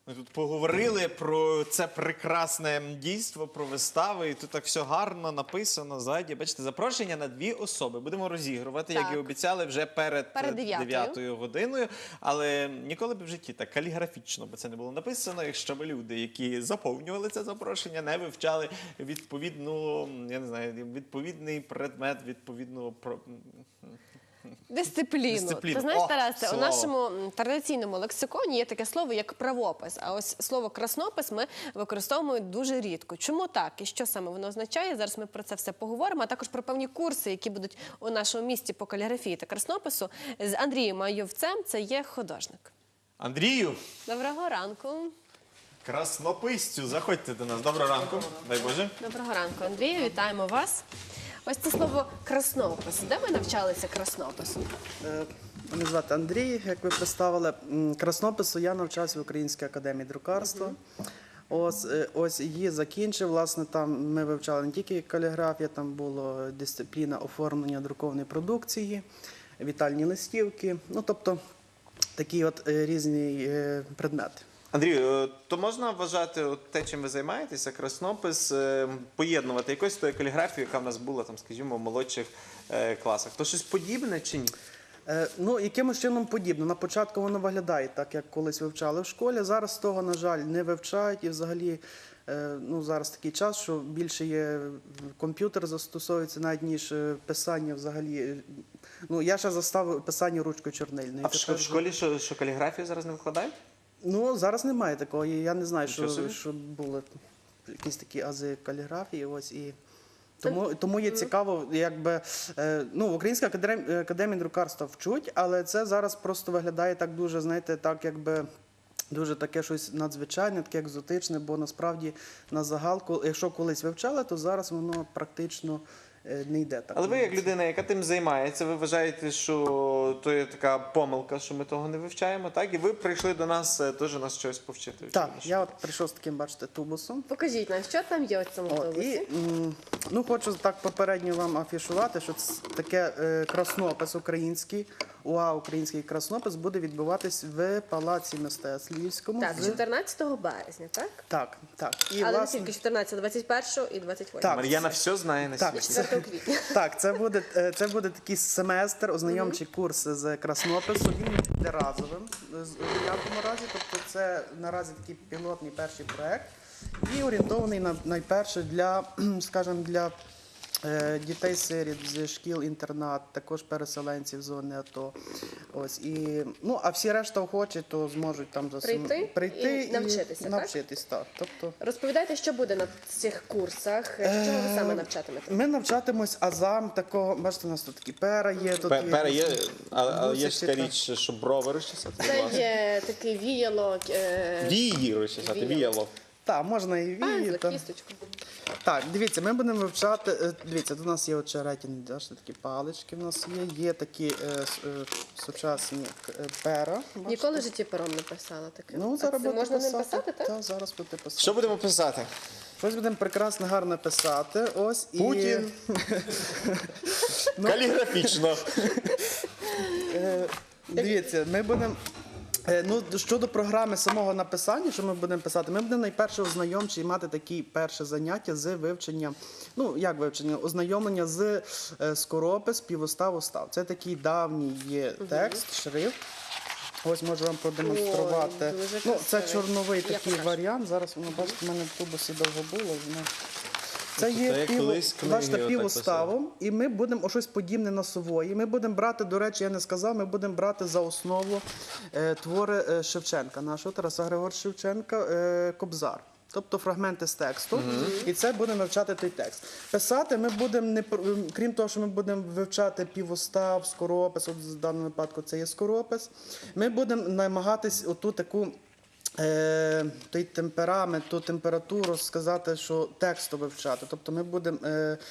Ми тут поговорили про це прекрасне дійство, про вистави, і тут так все гарно написано ззаді. Бачите, запрошення на 2 особи. Будемо розігрувати, як і обіцяли, вже перед 9-ю годиною. Але ніколи б в житті так каліграфічно, бо це не було написано, якщо б люди, які заповнювали це запрошення, не вивчали відповідну, я не знаю, відповідний предмет, відповідну... Дисципліну. Ти знаєш, Тарасе, у нашому традиційному лексиконі є таке слово, як правопис. А ось слово краснопис ми використовуємо дуже рідко. Чому так? І що саме воно означає? Зараз ми про це все поговоримо, а також про певні курси, які будуть у нашому місті по каліграфії та краснопису. З Андрієм Айовцем, це є художник. Андрію! Доброго ранку. Краснописцю, заходьте до нас. Доброго ранку. Дай Боже. Доброго ранку, Андрію. Вітаємо вас. Ось це слово краснопис. Де ви навчалися краснопису? Мене звати Андрій, як ви представили. Краснопису я навчався в Українській академії друкарства. Ось її закінчив. Власне, там ми вивчали не тільки каліграфію, там була дисципліна оформлення друкованої продукції, вітальні листівки. Ну, тобто, такі от різні предмети. Андрію, то можна вважати те, чим ви займаєтеся, краснопис, поєднувати якось тою каліграфією, яка в нас була, там, скажімо, в молодших класах? То щось подібне чи ні? Ну, якимось чином подібно. На початку воно виглядає так, як колись вивчали в школі. Зараз того, на жаль, не вивчають. І взагалі, ну, зараз такий час, що більше є комп'ютер застосовується навіть, ніж писання взагалі. Ну, я ще застав писання ручкою чорнильною. А в школі що каліграфію зараз не викладають? Ну, зараз немає такого. Я не знаю, що були якісь такі ази каліграфії. Ось, і тому є цікаво, якби, ну, в Українській академії друкарства вчуть, але це зараз просто виглядає так дуже, знаєте, так якби дуже таке щось надзвичайне, таке екзотичне, бо насправді на загал, якщо колись вивчали, то зараз воно практично не йде так. Але ви, як людина, яка тим займається, ви вважаєте, що то є така помилка, що ми того не вивчаємо, так? І ви прийшли до нас теж нас щось повчити. Так, я от прийшов з таким, бачите, тубусом. Покажіть нам, що там є у цьому тубусі? Ну, хочу так попередньо вам афішувати, що це таке краснопис український, УА «Український краснопис» буде відбуватись в Палаці мистецтв Львівському. Так, 14 березня, так? Так, так. Але не тільки 14, 21 і 28. Так. Мар'яна все знає на світі. 4 квітня. Так, це буде такий семестр, ознайомчий курс з краснопису. Він буде разовим в ніякому разі, тобто це наразі такий пілотний перший проект і орієнтований найперше для, скажімо, для дітей-сиріт з шкіл-інтернат, також переселенців з зони АТО. Ось, і, ну, а всі решта охочі, то зможуть там прийти і навчитися, навчитись, так? Тобто, розповідайте, що буде на цих курсах, чого ви саме навчатимете? ми навчатимось азам такого, бачите, у нас тут такі пера є. Пера є, але є ж така річ, що брови розчесати. Це є такий віяло. Вії розчесати, віяло. Так, можна і вії. Кісточку. Так, дивіться, ми будемо вивчати, дивіться, тут у нас є очеретяні, такі палички в нас є такі сучасні пера. Ніколи в житті пером не писала таке. Ну, зараз це можна ним писати, так? Так, зараз будете писати. Що будемо писати? Щось будемо прекрасно, гарно писати. Ось, Путін. Каліграфічно. Дивіться, ми будемо... Ну, щодо програми самого написання, що ми будемо писати, ми будемо найперше ознайомчі і мати такі перше заняття з вивчення, ну, як вивчення, ознайомлення з скоропис, півостав, устав. Це такий давній є текст, шрифт. Ось можу вам продемонструвати. Ну, це чорновий такий варіант. Зараз, воно, бачите, в мене в тубусі довго було. Це є півуставом, і ми будемо щось подібне на сової. Ми будемо брати, до речі, я не сказав, ми будемо брати за основу твори Шевченка, нашого Тараса Григоровича Шевченка, «Кобзар». Тобто фрагменти з тексту, і це буде навчати той текст. Писати ми будемо, крім того, що ми будемо вивчати півустав, скоропис, от в даному випадку це є скоропис, ми будемо намагатись оту таку той темперамент, ту температуру сказати, що тексту вивчати. Тобто ми будемо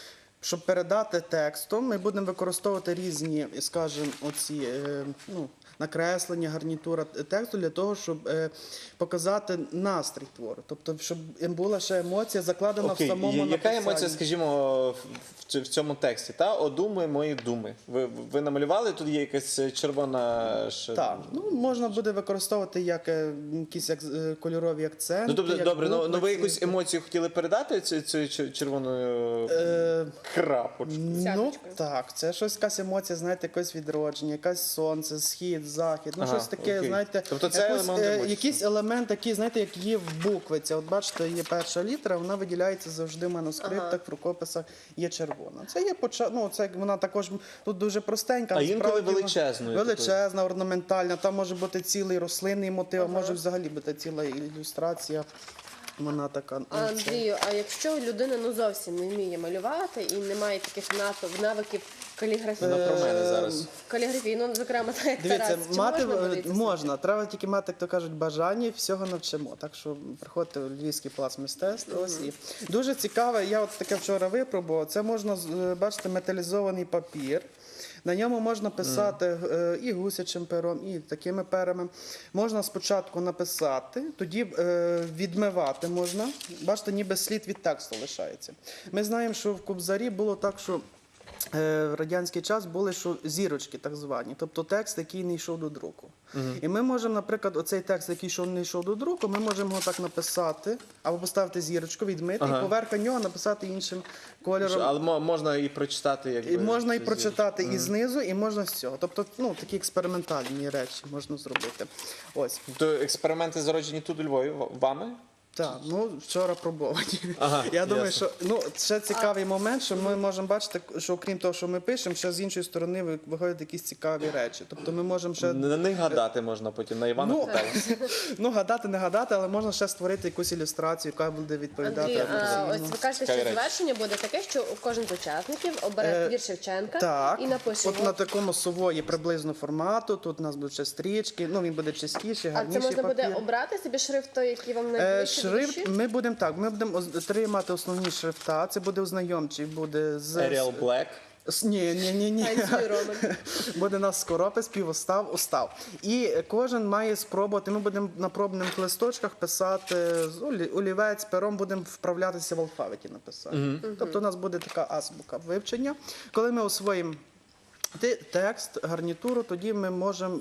щоб передати текстом, ми будемо використовувати різні, скажімо, оці накреслення, гарнітура тексту для того, щоб показати настрій твору. Тобто, щоб була ще емоція закладена в самому написанні. Яка емоція, скажімо, в цьому тексті? О думи, мої думи. Ви намалювали? Тут є якась червона... Так, можна буде використовувати якісь кольорові акценти. Ну, тобто, добре, букви, ви якусь емоцію хотіли передати цією червоною крапочкою? Ну, так, це щось, якась емоція, знаєте, якось відродження, якась сонце, схід, захід, щось таке, окей. знаєте, Тобто це елемент емоції. якийсь елемент такий, знаєте, як є в буквиці. От бачите, є перша літера, вона виділяється завжди в манускриптах, в рукописах є червона. Це є це вона також тут дуже простенька. А інколи насправді вона величезною величезна, орнаментальна, там може бути цілий рослинний мотив, а може взагалі бути ціла ілюстрація. Вона така. Андрію, а якщо людина зовсім не вміє малювати і не має таких навиків каліграфії, Про мене зараз. зокрема, так як Дивіться, Тарас, чи мати можна буде це можна, треба тільки мати, як то кажуть, бажання, і всього навчимо. Так що приходьте в Львівський палац мистецтв. Ось і дуже цікаве, я от таке вчора випробував. Це можна бачите, металізований папір. На ньому можна писати і гусячим пером, і такими перами. Можна спочатку написати, тоді відмивати можна. Бачите, ніби слід від тексту лишається. Ми знаємо, що в Кобзарі було так, що в радянський час були зірочки так звані, тобто текст, який не йшов до друку. І ми можемо, наприклад, оцей текст, який не йшов до друку, ми можемо його так написати, або поставити зірочку, відмити, і поверх нього написати іншим кольором. Але можна і прочитати, І можна і прочитати і знизу, і можна з цього. Тобто, такі експериментальні речі можна зробити. Ось. То експерименти зароджені тут у Львові вами? Так, вчора пробовані. Я думаю, що ще цікавий момент, що ми можемо бачити, що окрім того, що ми пишемо, ще з іншої сторони виходять якісь цікаві речі. Тобто ми можемо ще... На них гадати можна потім, на Івана Купела. Гадати, не гадати, але можна ще створити якусь ілюстрацію, яка буде відповідати. Андрій, ось ви кажете, що завершення буде таке, що кожен з учасників обере твір Шевченка і напише от його. на такому сової приблизно формату, тут у нас будуть ще стрічки, він буде чистіший, А гарніший це можна буде папір. обрати собі шрифт, той, який вам найближче до Шрифт душі? ми будемо три мати основні шрифта. Це буде ознайомчий, буде з Arial Black. Ні. Танцюй, Роман. Буде у нас скоропис, півостав, устав. І кожен має спробувати. Ми будемо на пробних листочках писати олівець, пером будемо вправлятися в алфавіті написати. Тобто у нас буде така азбука вивчення. Коли ми освоїмо текст, гарнітуру, тоді ми можемо,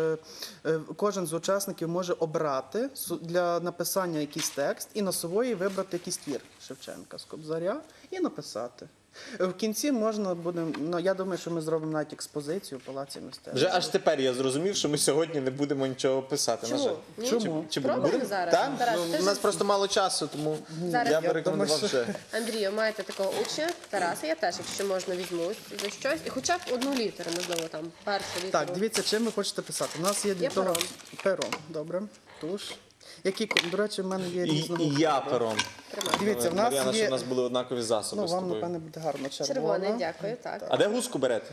кожен з учасників може обрати для написання якийсь текст і на сової вибрати якийсь твір Шевченка з Кобзаря і написати. В кінці можна буде, я думаю, що ми зробимо навіть експозицію в Палаці мистецтв. Вже аж тепер я зрозумів, що ми сьогодні не будемо нічого писати. на жаль. Чому? Чи Пробуємо будемо? зараз? Так? Тарас, ти У нас просто мало часу, тому Зараз. я би рекомендував думаю, вже. Андрію, маєте такого учня, Тараса, я теж, якщо можна, візьмусь за щось. І хоча б одну літеру, можливо, там, першу літеру. Так, дивіться, чим ви хочете писати. У нас є для того пером. Добре. Туш. До речі, в мене є різного. І я пером. Дивіться, в нас Мар'яна, щоб у є... нас були однакові засоби з вам, тобою. напевне, буде гарно червона. Червоний, дякую, так. А де гуску берете?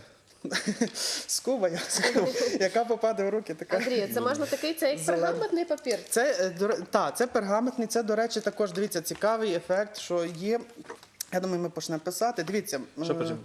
Скуба, яка попаде в руки, така. Андрію, це можна такий, це як пергаментний папір. Це пергаментний, це, до речі, також, дивіться, цікавий ефект, що є, я думаю, ми почнемо писати. Дивіться. Що почнемо?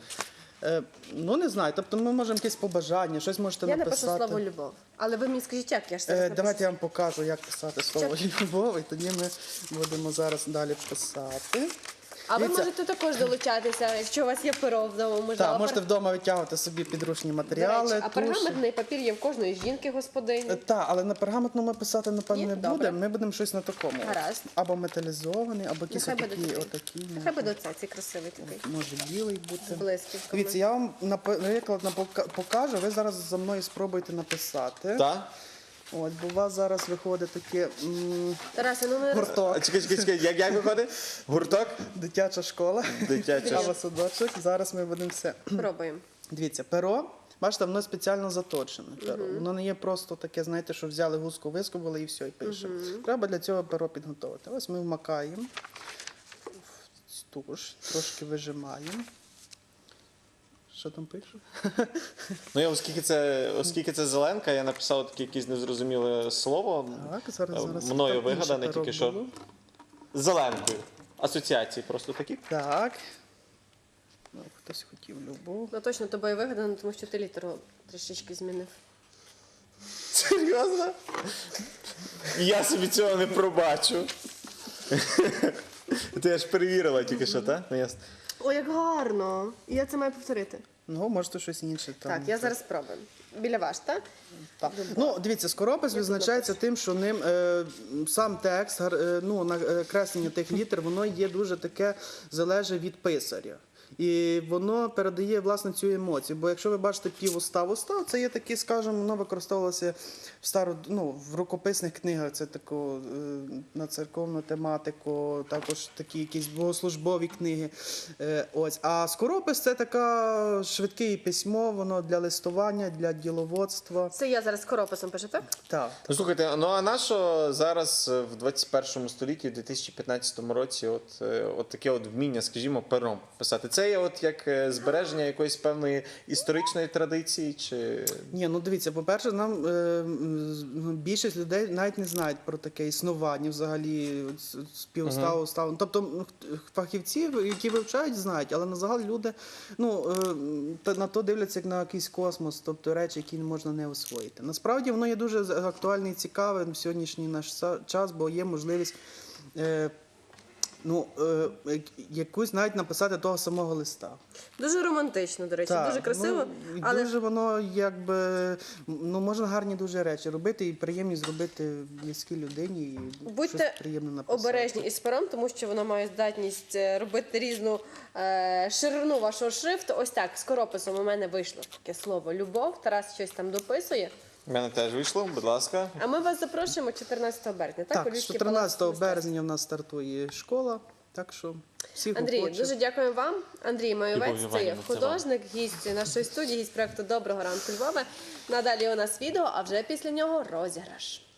Не знаю, тобто ми можемо якісь побажання, щось можете Я написати. напишу слово «любов». Але ви мені скажіть, як я ж зараз напишу? Давайте я вам покажу, як писати слово «любов», і тоді ми будемо зараз далі писати. А ви Дивіться. можете також долучатися, якщо у вас є перо вдома. Можливо, Так, можете вдома витягувати собі підручні До матеріали. речі, а туші. пергаментний папір є в кожної жінки-господині. Так, але на пергаментному ми писати, напевно, Ні? не Добре. будемо. Ми будемо щось на такому. Гаразд. Або металізований, або якісь Нехай буде отакі. такий. Нехай буде цей красивий такий. Може білий бути. З блискітками. Дивіться, я вам наприклад покажу, ви зараз за мною спробуйте написати. Так? От, бо у вас зараз виходить таке Тарасе, ну не гурток, Чекай, як виходить? Гурток? дитяча школа, Дитяча. або садочок. Зараз ми будемо все. пробуємо. Дивіться, перо, бачите, воно спеціально заточене. Перо. Воно не є просто таке, знаєте, що взяли гуску, вискубали і все, і пишемо. Треба для цього перо підготувати. Ось ми вмакаємо в туш, трошки вижимаємо. Що там пишу? Оскільки це зеленка, я написав таке якесь незрозуміле слово. Так, зараз. Мною так, вигадане інше перо тільки що. було. Зеленкою. Асоціації просто такі. Так. Ну, хтось хотів любов. Ну точно тобою вигадано, тому що ти літеру трішечки змінив. Серйозно? Я собі цього не пробачу. Ти аж перевірила тільки що, так? Ну, ясно. О, як гарно! І я це маю повторити. Ну, може, то щось інше. Там, Так, я зараз спробую. Біля вас, так? Так. Ну, дивіться, скоропис відзначається тим, що ним сам текст, накреслення тих літер, воно є дуже таке, залежить від писаря. І воно передає, власне, цю емоцію. Бо якщо ви бачите півустав, це є такі, скажімо, воно використовувалося в рукописних книгах, це тако на церковну тематику, також такі якісь богослужбові книги. Ось. А скоропис – це таке швидке письмо, воно для листування, для діловодства. Це я зараз скорописом пишу, так? Так. Ну, слухайте, ну а на що зараз в 21 столітті, в 2015 році, от таке от вміння, скажімо, пером писати? Це є от як збереження якоїсь певної історичної традиції? Чи... Ні, ну дивіться, по-перше, нам більшість людей навіть не знають про таке існування взагалі співставу. Тобто фахівці, які вивчають, знають, але на загал люди на то дивляться як на якийсь космос, тобто речі, які можна не освоїти. Насправді воно є дуже актуальне і цікаве в сьогоднішній наш час, бо є можливість якусь навіть написати того самого листа. Дуже романтично, до речі, дуже красиво. Але дуже воно якби, можна гарні дуже речі робити і приємні зробити близькій людині і щось приємне написати. Будьте обережні із пером, тому що воно має здатність робити різну ширину вашого шрифту. Ось так, скорописом у мене вийшло таке слово «любов». Тарас щось там дописує. У мене теж вийшло, будь ласка. А ми вас запрошуємо 14 березня. Так, 14 березня в нас стартує школа, так що всіх Андрій, охочих. дуже дякуємо вам. Андрій Майовець, це є Іванівна, це художник, гість нашої студії, гість проекту «Доброго ранку, Львове». Надалі у нас відео, а вже після нього розіграш.